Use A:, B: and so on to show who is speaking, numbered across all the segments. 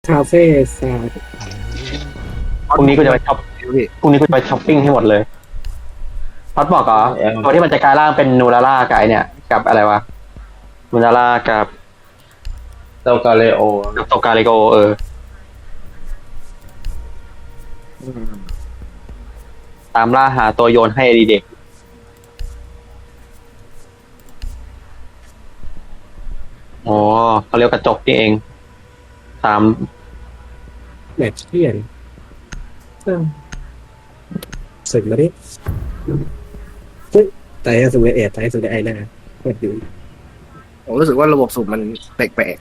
A: คาเฟ่ซาด
B: พรุ่งนี้กูจะไปช็อปพรุ่งนี้กูจะไปช้อปปิ้งให้หมดเลยพอดบอกเหรอตัวที่มันจะกลายร่างเป็นนูราล่ากับไอเนี่ยกับอะไรวะนูราล่ากับ
C: เจ้ากาเลโอ
B: โตกาลิโกตามล่าหาตัวโยนให้ดีเด็กอ๋อเขาเรียกกระจกนี่เองตาม
A: แมทเทียนสึกมาดิแต่ให้สุดเอ็ดแต่ให้สุดไอหน้าเปิดดู
D: ผมรู้สึกว่าระบบสูบมันแปลก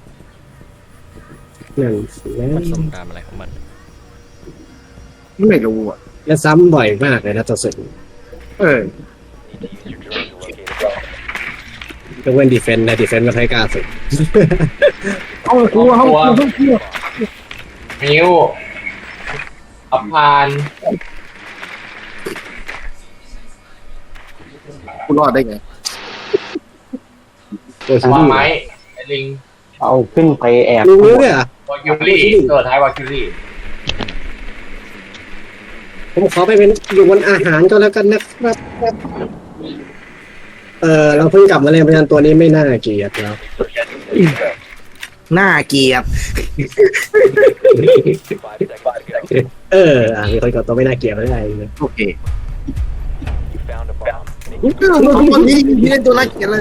A: นั่นแล้ว
E: มันส่งตามอะไรของมัน
D: ๆไม่รู้อ่ะ
A: และซ้ำบ่อยมากเลยนะตัวสึก
D: เออ
A: ยกเว้นดีเฟนต์นะดีเฟนต์ก็ใช้กล้าสึก
D: ห้องครัวห้องครัวห้องครัว
C: มิวอัพพาน
D: คุณรอดได้ไง
A: ตัวชิ
C: วาง
A: ลี่
C: ไม้ไอ้ลิง
B: เอาขึ้นไปแอบ
A: ลุงรู้เนี่ย
C: วาคิวรี่ตัวท้ายวาคิวรี่
A: ผมขอไปเป็นอยู่บนอาหารก็แล้วกันนะครับเราเพิ่งกลับมาเล่นเพราะฉะนั้นตัวนี้ไม่น่าเกลียดแล้ว
D: หน้าเกลียด
A: มีคนกับตัวไม่น่าเกลียดไม่ได้เลย
D: โอเคตัวนี้เล่นตัวน่าเกลียดเลย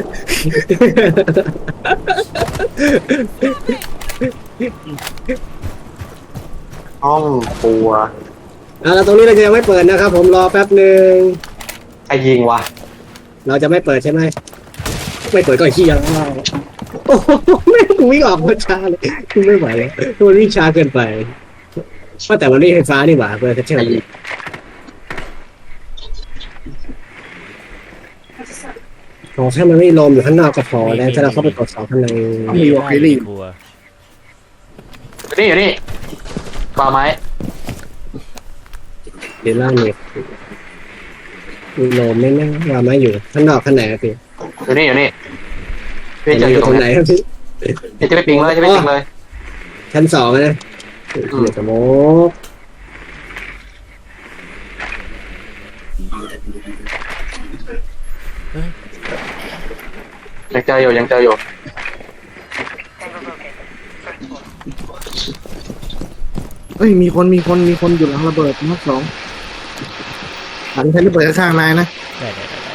B: ห้องครัว
A: แล้วตรงนี้เราจะยังไม่เปิดนะครับผมรอแป๊บหนึ่ง
B: ใครยิงวะ
A: เราจะไม่เปิดใช่ไหมไม่เปิดก็เฮียแล้วโอ้โหไม่วิ่งออกมาช้าเลยไม่ไหวแล้วมันวิ่งช้าเกินไปว่าแต่มันไม่ไฟฟ้านี่หว่าเพื่อนจะเชื่อมขอแค่มันไม่ลมอยู่ข้างนอกก็พอแล้วถ้าเราเข้าไปกดสองข้างใน
D: มีวอลคิรี่
E: ครัว
B: อยู่นี่ปลาไม้
A: เดี๋ยวล่างเนี่ยมีลมไม่แน่ว่าไม่อยู่ข้างนอกข้างในอะพี่
B: อยู่นี่พี่จะอยู่ต
A: ต
B: ร
A: รง งไหน
B: ไหน
A: ครับพี่
B: จะไปปิงเลยจะไปปิงเลย
A: ชั้นสองนะเดี๋ยวสโมก
B: ยังเจออยู่
D: เฮ้ยมีคนอยู่หลังระเบิดมักสองหลังใช้ระเบิดข้างนายนะ
E: ได้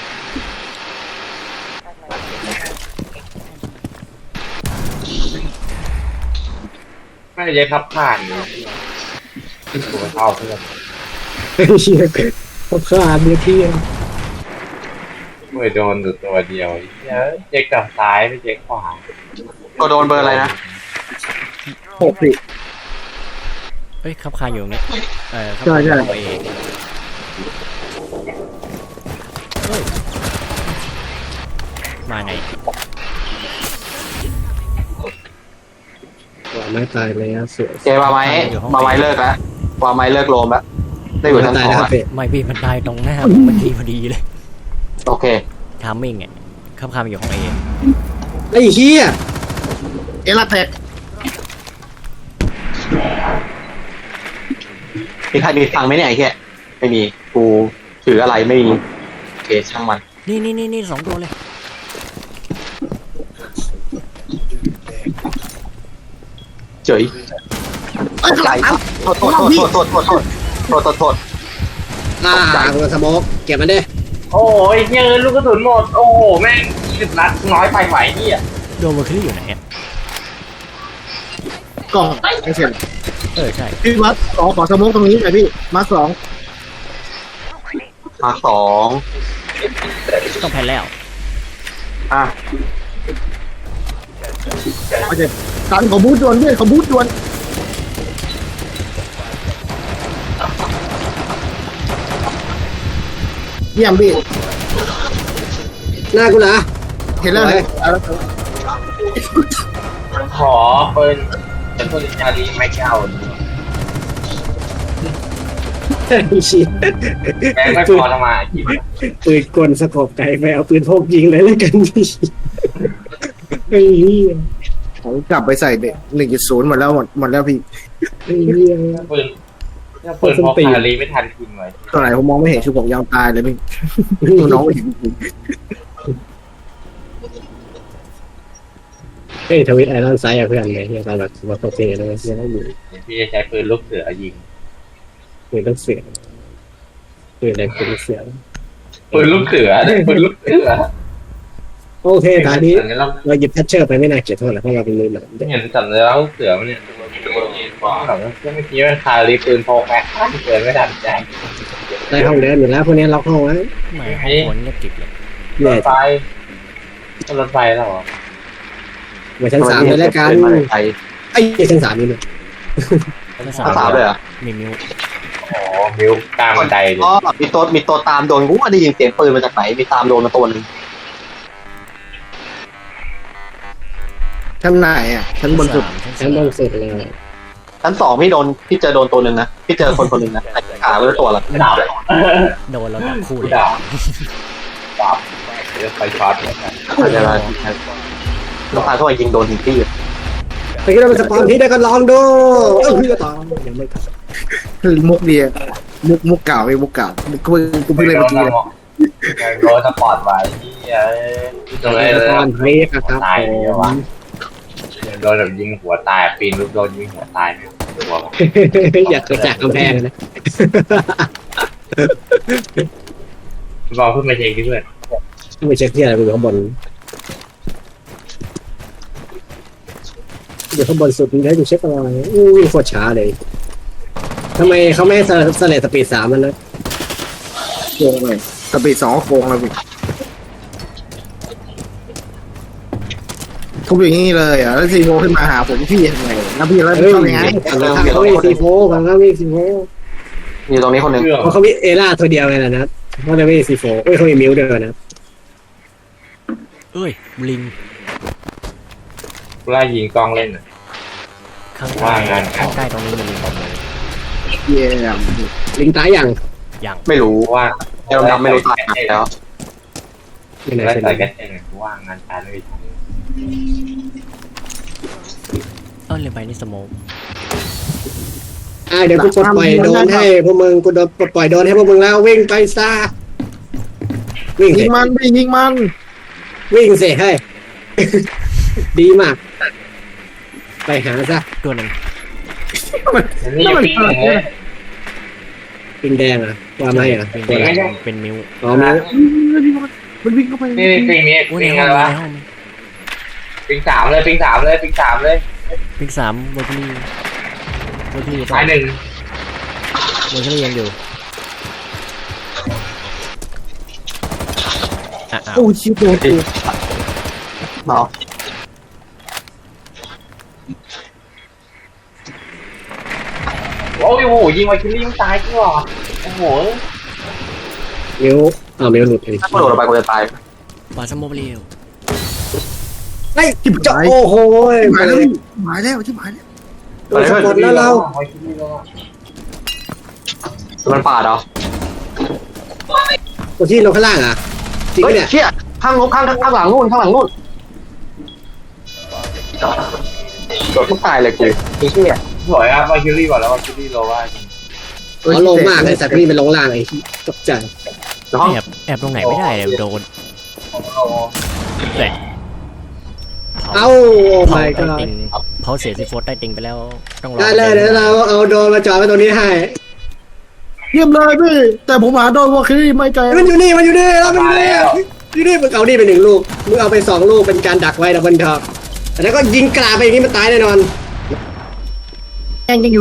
C: ไม่ได้ยัยครับผ่านเลยตัวเท่าเพื่อน
A: เชียร์เขาขาดเนี่ยพี่
C: เมื่อโดนอยู่ตัวเดียวเจ๊กกับซ้ายไม่เจ๊กขวา
B: ก็โดนเบอร์อะไรนะ
D: 6สิ
E: เฮ้ยขับคาอยู่ตรงนี้ขับ
D: ใช่
E: คา
D: ใช่
E: อยู่ตัวเองเฮ้ยมาไง
A: ว่าไม่ตายเลยอะสวย
B: เจปลาไม้เลิกแล้วปลาไม้เลิกโลมแล้วได้อยู่ชั้น
A: ตาย
B: สอง
A: นะครับ
B: แล้ว
A: เป๊ะ
E: ไม่พี่มันตายตรงหน้าผมมันทีพอดีเลย
B: โอเค
E: ทามมิ่งขับคาอยู่ของเอง
A: ไอ้เหี้ย
D: เอลาแตก
B: มีใครมีฟังไหมเนี่ยไอ้แค่ไม่มีกูถืออะไรไม่มีโอเคช่างมัน
E: นี่สองตัวเลย
B: เจ๋ย
D: เอ้ยหลังนั้น
B: โทษ
A: ตัวสโมกเก็บมันดิ
C: โอ้ยเยอะลูกกระสุนหมดโอ้โหแม่ง10 นัดน้อยไปไหวนี่อ่ะ
E: โดนเวอร์คิลี่อยู่ไหนอะ
D: กล่องไม่เสร็จ
E: ใช่
D: พี่มัดขอสโมกตรงนี้หน่อยพี่มาร์คสอง
B: มาสอง
E: ต้องแพ้แล้ว
B: อ่ะ
D: โอเคการขอบูทด่วนด้วยขอบูทด่วนเยี่ยมพี่
A: หน้ากูเหรอ
D: เห็นแล้วเลย
C: ขอเป็นปืนชาลีไม่เก้า
A: ไอ้เหี้ย
C: แม่งไม่พอทำไมกี่
A: ปืนกลสกบไก่ไปเอาปืนพกยิงเลยแล้วกันพี่ไอ้เหี้ย
D: ผมกลับไปใส่1.0หมดแล้วหมดแล้วพี่
A: ไอ้เหี้ย
C: ปืนปืนพกคารีไม่ทันทิ้งไว้
D: ตัวไหนผมมองไม่เห็นคือผมยาวตายเลยพี่ตัวน้องไม่เห็น
A: เฮ้ยทวิตไอรอนไซด์อะเพื่อนไงที่ตอนแบบว่าโปรเฟสเลยยังไม่อยู่
C: พี่จะใช้ปืนลูกเสือยิง
A: ปืนต้องเสียปืนอะไรปืนเสีย
C: ปืนลูกเสือปืนลูกเสือ
A: โอเคตอนนี้
C: เห็นเรา
A: เราหยิบแพทเชอร์ไปไม่น่าเกลียดเท่าไหร่เพราะเราเป็นมือหนัง
C: เห็นสัญลักษณ์ลูกเสือมันเนี่ยแบบเมื่อกี้มันคารีปืนพกแม็กเกินไม่ทันใจ
A: ได้ห้องเดินอยู่แล้วพวกนี้ล็อกห้องไว้
E: ไม่ห้องคนเงียบกริบเลย
C: ร
A: แย่
C: ถไฟรถไฟแล้วเหรอ
A: มาชั้น3เลยแล้วกันไอ้ชั้น3นี่เลย
E: ไม่
B: ภาษาเลยเหรอ
E: มีมิว
C: อ๋อมิวกลางบันไดเลย
B: อ๋อมีตัวตามโดนกูว่าได้ยินเสียงปืนมาจากไหนมีตามโดนมาตัวนึง
D: ชั้นไหนอ่ะชั้นบนสุด
A: ชั้นบนสุดเลย
B: ชั้น2พี่เจอโดนตัวนึงนะพี่เจอคนนึงนะขาไม่รู้ตัวละ
C: ดาบ
E: โดนเราดับคู่เลย
C: ดาบดาบเดี๋ยวไฟช็อต
B: อะไรลูกค้าทั่วยิงโดนถึงที่
A: ไปคิดว่าเป็นสปอนที่ได้ก็ลองดูพี่ก็ตองยังไม่ทัน
D: มุกเดียมุกเก่าไอ้มุกเก่ากูเพิ่งเล่นเมื่อกี้เลย
C: โดนสปอร์ตไว้ที่ตรงนี้
A: ส
C: เลย
A: ปอนเรียกครับ
C: ตายเลยวะโดนแบบยิงหัวตายปีนลูกโดนยิงหัวตายเนี่ยตัว
A: อยากกระจากกำแพงนะ
C: บอกเพื่อนมาเช็คที่เพื่อน
A: ไม่เช็คที่อะไรอยู่ข้างบนอยู่ข้างบนสุดนี่ให้ดูเช็คอะไรวิ่งโคตรช้าเลยทำไมเขาไม่สเลตสปีด3มันนะ
D: โกงเลยสปีด2โกงแล้วพี่ทุบอย่างนี้เลยอ่ะแล้วซีโฟขึ้นมาหาผมพี่ทำไงแล้วพี่แล้ว
A: เฮ้ย
D: ทำยังไง
A: เขาวิ่งซีโฟฝั่งเขาวิ่งซีโฟ
B: อยู่ตรงนี้คนนึง
C: เครื่อง
A: เพราะเขามีเอล่าตัวเดียวไงนะเขาเลยวิ่งซีโฟเอ้ยเขามีมิวด้วยนะ
E: เอ้ยลิง
C: ไล่ยิงกล้องเล่น
E: ข้าง
C: ว่า
E: ใต้
C: งาน
E: ข้างใต้ตรงนี้มีลิงหมดเลย
D: เยี่ยม
A: ลิงตายยัง
E: ยัง
B: ไม่รู้
C: ว่า
B: เจ้าดำไม่รู้ตายแล้ว
A: ไม่น่า
C: ไล่
A: ใช่
C: ใส่กันเองว่างานการไม่ทำ
E: ลืมไปนี่สโมก
A: เดี๋ยวกูปลดปล่อยโดนให้พวกมึงกูโดนปลดปล่อยโดนให้พวกมึงแล้ววิ่งไปซะวิ่ง
D: ยิ
A: สิ
D: งมันพี่ยิงมัน
A: วิ่งสิให้ ดีมาก ไปหาซะ
E: ตัวหนึ่ง
C: นี่ยังปิ้งเลย
A: ปิงแดงอ่ะว่าไหมอ่ะ
E: เป็น
C: ไม่ใช่
E: เป็นมิว
A: อ๋อมิว
D: มันวิ่งเข้าไป
C: นี่ปิ้งนี้
E: โอ้ย
C: ปิ้ง
E: ใน
C: อะไร
E: ห้อง
C: วะปิ้งสามเลยปิ้งสามเลยปิ้งสามเลย
E: ปิงสามเวอร์คิลี่เวอร์คิลี่
C: ท้ายหนึ่ง
E: เวอร์คิลี่ยังอยู่อ้าว
D: โอ้ชิบโดนกู
B: เนาะ
C: โอ้ยโหยิงไวคิลลี่ยังตายจริงหรอโอ้โห
A: มิวมิวหลุดเอง
B: ถ้ากูโดดลงไปกูจะตาย
E: ปาสโมเบลียว
A: ไอ้จะโอ้โห
D: หายแล้วหายแล้วชิบหายแล้ว
A: โดนสปอตแล้วเรา
C: ไวคิลลี่แล้ว
B: มันปาดเหรอ
A: ตัวที่เราข้างล่างอ่ะจริง
B: เฮ้ย
A: เนี่ย
B: เชี่ยข้างหลังนู่นโดดทุกตายเลยกูไอ้เชี่ย
C: สวยครับไวคิลลี่บอกแล้วไวคิลลี่โลว่า
A: เขาลงมากเลยสัตว์นี่เป็นลงล่างไอ้ตกใจ
B: แล้วห้อง
E: แอบตรงไหนไม่ได้เลยโดนแต่
A: เอ้าโอ้
E: เผา
A: my
E: ใต้
A: god
E: ติงเผาเสียซีโฟสใต้ติงไปแล้วต้องรอ
A: ได้เลยเดี๋ยวเราเอาโดรนมาจอดไว้ตรงนี้ให้
D: เยี่ยมเลยพี่แต่ผมหาโดนวอลคิรี่ไม่เจอ
A: มันอยู่นี่เราเป็นนี่อยู่นี่มึงเอานี่ไป1 ลูกมึงเอาไป2 ลูกเป็นการดักไว้ดับบนท็อปแล้วก็ยิงกราไปอย่างนี้มันตายแน่นอน
D: ยังอยู่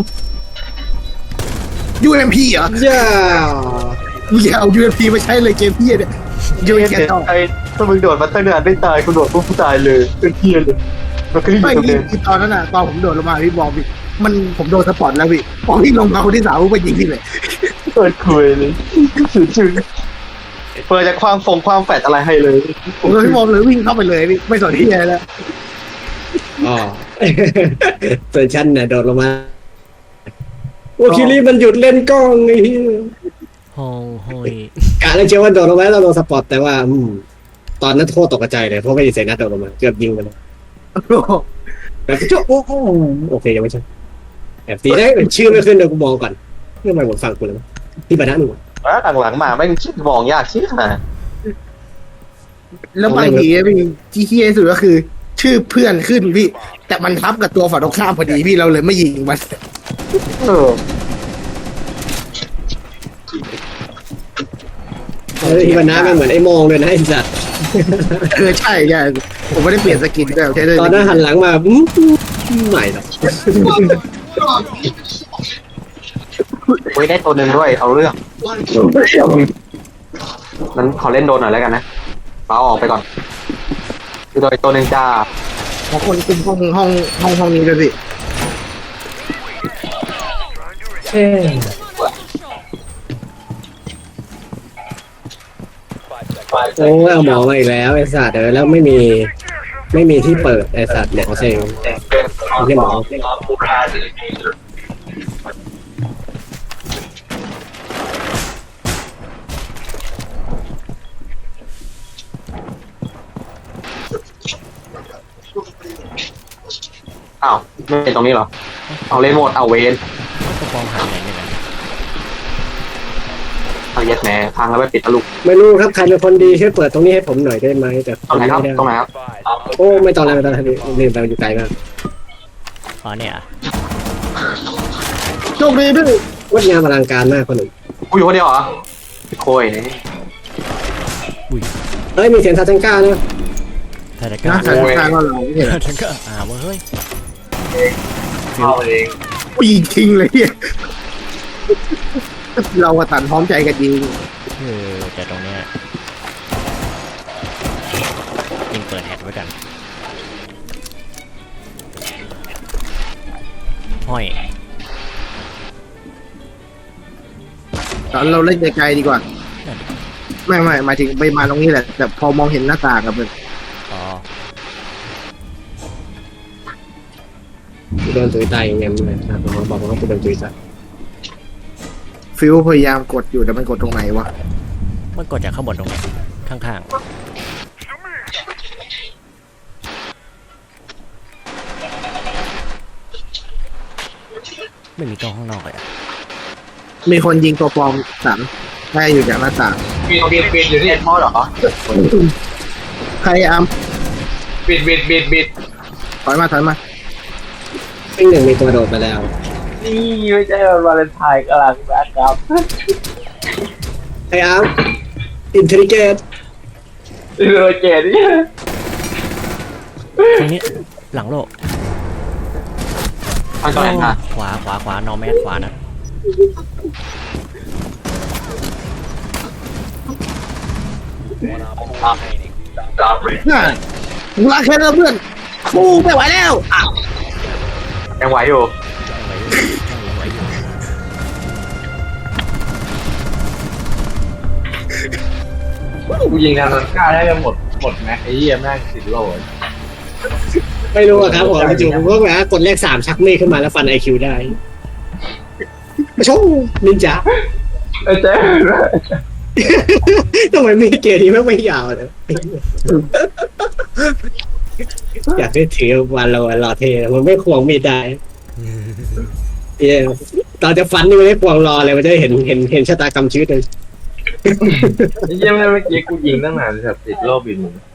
D: UMP เหรอ
A: เจ้า
D: มึงอย่าเอา UMP มาใช้เลยเกมพี่เนี่ย UMP ต่อ
B: ไอ้ถ้ามึงโดดมาตั้งนานไม่ตายกูโดดปุ๊บตายเลยเป็นเพี้ยเลยมันก็อยู่
D: ไม่
B: ตรง
D: พี่
B: นี้
D: ตอนนั้นน่ะตอนผมโดดลงมาพี่บอกพี่ผมโดนสปอตแล้วพี่พอพี่ลงมาคนที่3ผมไปยิงพี่เลย
B: เปิดคุยเลยชื่อเปิดจากความแฟดอะไรให้เลย
D: ผมเลยพี่บอมเลยวิ่งเข้าไปเลยพี่ไม่สนที่อะไรแล้ว
A: อ๋อส่วนฉันเนี่ยโดดลงมาโอ้คิริมันหยุดเล่นกล้องไอ้เหี้ย
E: ห้องห้อย
A: กะเลยเชื่อว่าโดดลงมาแล้วเราโดนสปอตแต่ว่าตอนนั้นโคตรตกใจเลยเพราะไม่ได้เสียนัดโดดลงมาเกือบยิงไปเลย
D: โอ้โห
A: แบบโจ๊กโอเคยังไม่ใช่แอบตีได้ชื่อไม่ขึ้นเดี๋ยวกูมองก่อนเรื่องอะไรหมดฟังกูแล้วที่บรรทัดหนึ่ง
B: หลังๆมาแม่งคิดมองยากชิบหาย
D: แล้วบางทีพี่ที่เฮี้ยที่สุดก็คือ ชื่อเพื่อนขึ้นพี่ แต่มันทับกับตัวฝั่งตรงข้ามพอดีพี่เราเลยไม่ยิงมัน
B: เออ
A: ที่บรรทัดมันเหมือนไอ้มองเลยนะไอ้สัตว์
D: ใช่ใช่ผมไม่ได้เปลี่ยนสกินด้วยใช่เลย
A: ตอนนั้นหันหลังมาใหม่หรอก
B: เว้ยได้ตัวหนึ่งด้วยเอาเรื่องนั้นขอเล่นโดนหน่อยแล้วกันนะฟ้าออกไปก่อนคือโดยตัวหนึ่งจ้า
D: ของคนคุมห้องนี้ด้วยพี่
A: โอ้ยเอาหมอมาอีกแล้วไอ้สัตว์แล้วไม่มีที่เปิดไอ้สัตว์หมอเซ็งไม่ใช่หมอ
B: อ้าวไม่เป็นตรงนี้เหรอเอาเล่นโหมดเอาเวน
E: ก็ฟองหายไหนเนี่ยนะ
B: เอาเย็ดแหม่พังแล้วไปปิดทะลุ
A: ไม่รู้ครับใครเป็นคนดีช่วยเปิดตรงนี้ให้ผมหน่อยได้ไหมแต่
B: ตรงไหนครับ
A: ไม่ได้
B: ตรงไหนครับ
A: โอ้ไม่ตอนแรกลืมไปมันอยู่ไกลมาก
E: อ๋อเนี่ย
D: โชคดีด้วย
A: วัดงานอลังการมากคนหนึ่ง
B: กูอยู่คนเดียวเหรอโค้ย
A: เฮ้ยมีเสียงซาจังก้านะ
E: ถ้าจะก
D: น่า
E: ล้า
D: จะทางเราไม่เห็น
E: ฉันก็เฮ้ย
C: เข้าเอง
D: ปีทิ้งเลยพี่เราก็ตันพร้อมใจกันยิง
E: แต่ตรงเนี้ยยิงเปิดแฮตไว้กันห้อย
D: ตอนเราเล่นไกลๆดีกว่า ไม่หมายถึงไปมาตรงนี้แหละ แต่พอมองเห็นหน้าต่างกับมัน
E: อ๋อ
A: โดนตุยตายอย่างเงี้ยเลยครับผมบอกว่ากูโดนตุยตาย
D: ฟิวพยายามกดอยู่แต่มันกดตรงไหนวะ
E: มันกดจากข้างบนตรงเนี้ยข้างๆไม่มีกล้องข้างนอกเลยอะ
D: มีคนยิงตัวปลอมสันได้อยู่จากหน้าต่าง
C: บิดอยู่นี่
B: พ่อเหรอ
D: ใครอาม
C: บิด
D: ถอยมา
A: ซึ่งหนึ่งมีตัวโดดไปแล้ว
C: นี่ไม่ใช่วันวาเลนไทน์กำลังนะครับ
A: ไอ้อาร์มอินเทลิเกต
C: โรเจนี่
E: ตรงนี้หลังโลก
B: ทางตรงไหนนะ
E: ขวานอแมสขวานะ
D: น่ามึงรักแค่เพื่อนกูไม่ไหวแล้ว
B: ยังไหวอยู่
C: กูยิงทางนั้นกล้าได้จะหมดแม็กไอ้เหี้ยแม่ง10 โล
A: ไม่รู้อะครับผมจู่ๆผมก็แบบกดเลข3ชักมีดขึ้นมาแล้วฟันไอคิวได้มาโชว์นินจา
C: ไอ้เจ๊
A: ทำไมมีเกมนี้ไม่ยาวเลยอยากได้ถือวันรอเทมันไม่ควงมีดได้ตอนจะฟันนี่ไม่ได้ควงรอเลยมันจะเห็นชะตากรรมชีวิตเลย
C: ไอ้เหี้ยแม่งเมื่อกี้กูยิงตั้งนานแบบ10 โลบิน